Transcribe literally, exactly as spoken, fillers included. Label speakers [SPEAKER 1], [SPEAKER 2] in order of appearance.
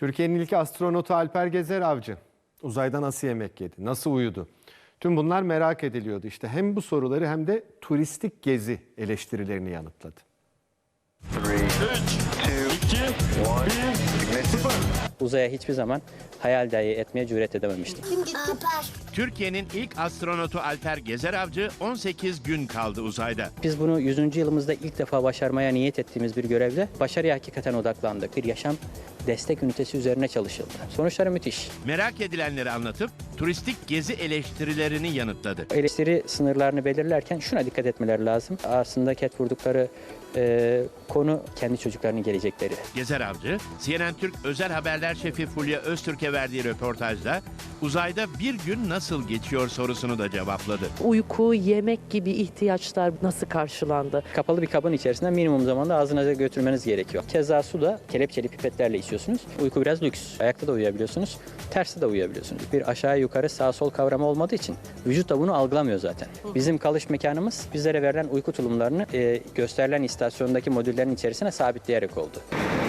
[SPEAKER 1] Türkiye'nin ilk astronotu Alper Gezer Avcı uzayda nasıl yemek yedi, nasıl uyudu? Tüm bunlar merak ediliyordu. İşte hem bu soruları hem de turistik gezi eleştirilerini yanıtladı.
[SPEAKER 2] Uzaya hiçbir zaman hayal dahi etmeye cüret edememiştim.
[SPEAKER 3] Türkiye'nin ilk astronotu Alper Gezer Avcı on sekiz gün kaldı uzayda.
[SPEAKER 2] Biz bunu yüzüncü yılımızda ilk defa başarmaya niyet ettiğimiz bir görevde başarıya hakikaten odaklandık. Bir yaşam destek ünitesi üzerine çalışıldı. Sonuçları müthiş.
[SPEAKER 3] Merak edilenleri anlatıp turistik gezi eleştirilerini yanıtladı.
[SPEAKER 2] Eleştiri sınırlarını belirlerken şuna dikkat etmeleri lazım. Aslında ket vurdukları e, konu kendi çocuklarının gelecekleri.
[SPEAKER 3] Gezer Avcı, C N N Türk özel haberler şefi Fulya Öztürk'e verdiği röportajda uzayda bir gün nasıl geçiyor sorusunu da cevapladı.
[SPEAKER 4] Uyku, yemek gibi ihtiyaçlar nasıl karşılandı?
[SPEAKER 2] Kapalı bir kabın içerisinde minimum zamanda ağzınıza götürmeniz gerekiyor. Keza su da kelepçeli pipetlerle içiyorsunuz. Uyku biraz lüks. Ayakta da uyuyabiliyorsunuz, tersi de uyuyabiliyorsunuz. Bir aşağı yukarı sağ sol kavramı olmadığı için vücut da bunu algılamıyor zaten. Bizim kalış mekanımız bizlere verilen uyku tulumlarını e, gösterilen istasyondaki modüllerin içerisine sabitleyerek oldu.